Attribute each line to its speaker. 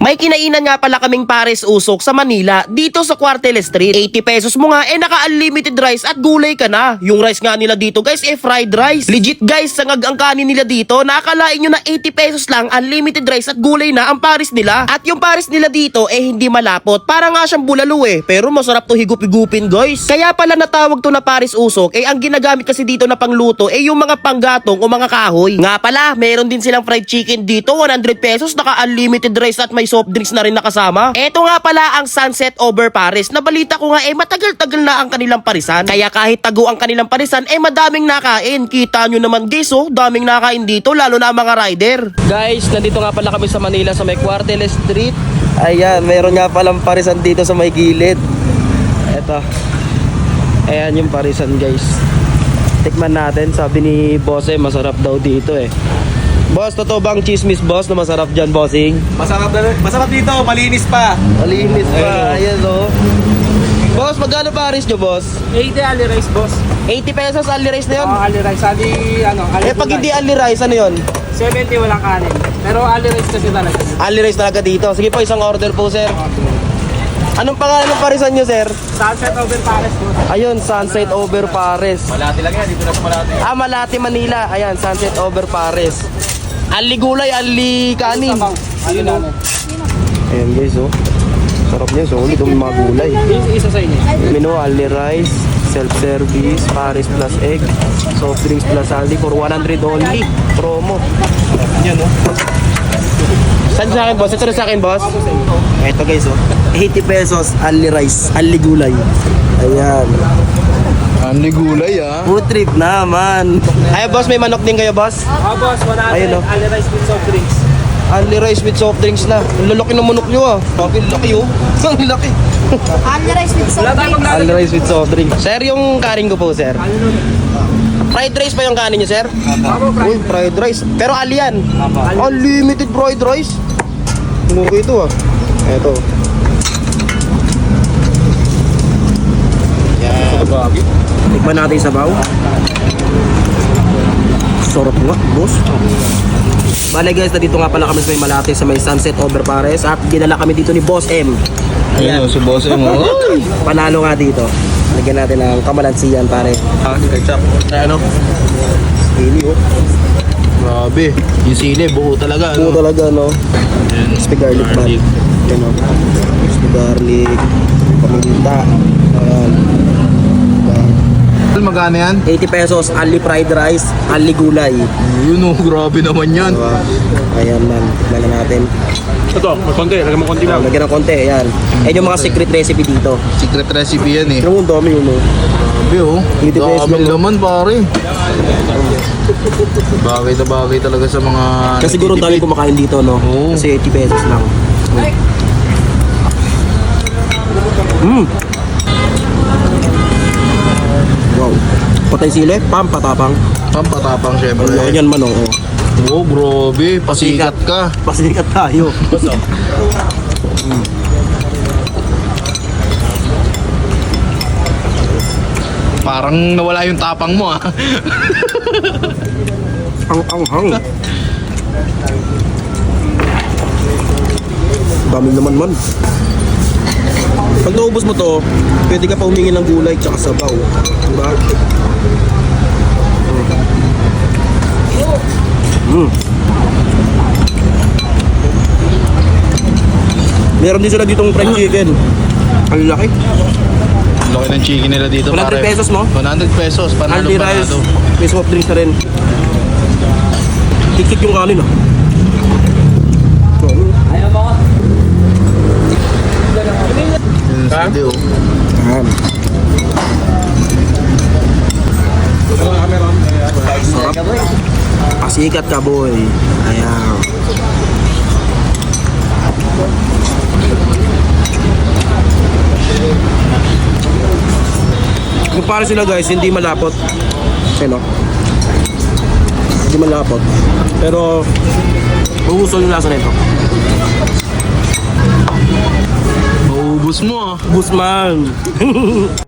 Speaker 1: May kinainan nga pala kaming pares usok sa Manila, dito sa Cuartel Street. 80 pesos mo nga, naka-unlimited rice at gulay ka na. Yung rice nga nila dito guys, fried rice. Legit guys, sangag ang kanin nila dito. Nakakalain nyo na 80 pesos lang, unlimited rice at gulay na ang pares nila. At yung pares nila dito, hindi malapot. Para nga siyang bulalo pero masarap to higup-higupin guys. Kaya pala natawag to na pares usok, ang ginagamit kasi dito na pangluto, yung mga panggatong o mga kahoy. Nga pala, meron din silang fried chicken dito, 100 pesos, naka-unlimited rice at may soft drinks na rin nakasama. Eto nga pala ang Sunset Over Pares. Nabalita ko nga matagal-tagal na ang kanilang parisan. Kaya kahit tago ang kanilang parisan, madaming nakain. Kita nyo naman guys, daming nakain dito, lalo na ang mga rider. Guys, nandito nga pala kami sa Manila sa may Cuartel Street. Ayan, meron nga palang parisan dito sa may gilid. Eto. Ayan yung parisan guys. Tikman natin, sabi ni boss masarap daw dito Boss, totoo bang chismis boss na masarap dyan, bossing?
Speaker 2: Masarap dito, malinis pa.
Speaker 1: Malinis pa, ayan Boss, magkano pares nyo, boss?
Speaker 2: 80 ali rice, boss.
Speaker 1: 80 pesos ali rice na yun?
Speaker 2: Ali rice, ali
Speaker 1: pag hindi ali rice, ano yun?
Speaker 2: 70 walang kanin. Pero ali rice kasi talaga.
Speaker 1: Ali rice talaga dito. Sige po, isang order po, sir. Anong pangalan ng parisan nyo, sir?
Speaker 2: Sunset Over Pares, boss.
Speaker 1: Ayun, Sunset Over Pares.
Speaker 2: Malati lang yan, dito na sa Malati.
Speaker 1: Malati, Manila. Ayan, Sunset Over Pares. Ali gulay, ali kanin.
Speaker 2: Ali namin.
Speaker 1: Ayan guys, sarap niya, solid yung mga gulay.
Speaker 2: Isa sa inyo.
Speaker 1: Menu, ali rice, self-service, pares plus egg, soft drinks plus saldi for 100 only. Promo. Yan Saan sa akin, boss? Ito na sa akin, boss? Ito guys, 80 pesos, ali rice, ali gulay. Ayan.
Speaker 3: Anli gulay
Speaker 1: Food trip naman. Ay, boss, may manok din kayo, boss?
Speaker 2: Boss, 100
Speaker 1: Ayun,
Speaker 2: ali rice with soft drinks.
Speaker 1: Ali rice with soft drinks na. Ang lalaki ng manok nyo Ang laki Ang laki.
Speaker 4: Ali rice with soft drinks.
Speaker 1: Ali rice with soft drink. Sir, yung kanin ko po, sir. Fried rice pa yung kanin nyo, sir? Uy, fried rice. Pero ali yan. Unlimited fried rice. Okay ito Eto. Tikman natin sa baw. Sarap nga, boss. Bale guys, dito nga pala kami sa may Malate sa may Sunset Over Pares at dinala kami dito ni Boss M.
Speaker 3: Ayan si Boss M.
Speaker 1: Panalo nga dito. Lagyan natin ng kamalansiyan pare.
Speaker 3: Ketchup. Ano?
Speaker 1: Sili
Speaker 3: Grabe. Yung sili, buo talaga.
Speaker 1: Buo talaga Crispy garlic man. Crispy garlic. Paminta. Ayan.
Speaker 3: Magkano yan?
Speaker 1: 80 pesos, only fried rice, only gulay.
Speaker 3: Yun grabe naman yan.
Speaker 1: Diba? Ayan man, tikman na natin.
Speaker 2: Ito, may konti. Lagyan mo konti lang.
Speaker 1: Lagyan ng konti, ayan. Ayan yung mga secret recipe dito.
Speaker 3: Secret recipe yan
Speaker 1: Pero ang dami yun
Speaker 3: Grabe
Speaker 1: 80 pesos
Speaker 3: Dami
Speaker 1: lang,
Speaker 3: naman pare. Bagay na bagay talaga sa mga...
Speaker 1: Kasi siguro ang dami kumakain dito
Speaker 3: Oo.
Speaker 1: Kasi 80 pesos lang. Wow. Patay sili, pampatapang.
Speaker 3: Pampatapang syempre.
Speaker 1: Ganyan man
Speaker 3: Grabe. Pasikat ka.
Speaker 1: Pasikat tayo.
Speaker 3: Parang nawala yung tapang mo
Speaker 1: Ang dami naman man. Pag naubos mo to, pwede ka pa humingi ng gulay tsaka sabaw. Diba? Meron din sila ditong fried chicken. Ang laki.
Speaker 3: Laki ng chicken nila dito
Speaker 1: 100
Speaker 3: pare.
Speaker 1: pesos mo?
Speaker 3: 100 pesos. Panalo
Speaker 1: Only rice,
Speaker 3: panalo.
Speaker 1: may soft drinks na rin. Tiktik yung kanin
Speaker 2: Ayaw mo.
Speaker 3: Yun sili
Speaker 1: Ayan. Pasikat ka boy. Ayan. Kung para sila guys, hindi malapot. Hindi malapot. Pero uusol yung lasa nito.
Speaker 3: Maubos mo
Speaker 1: Guzman.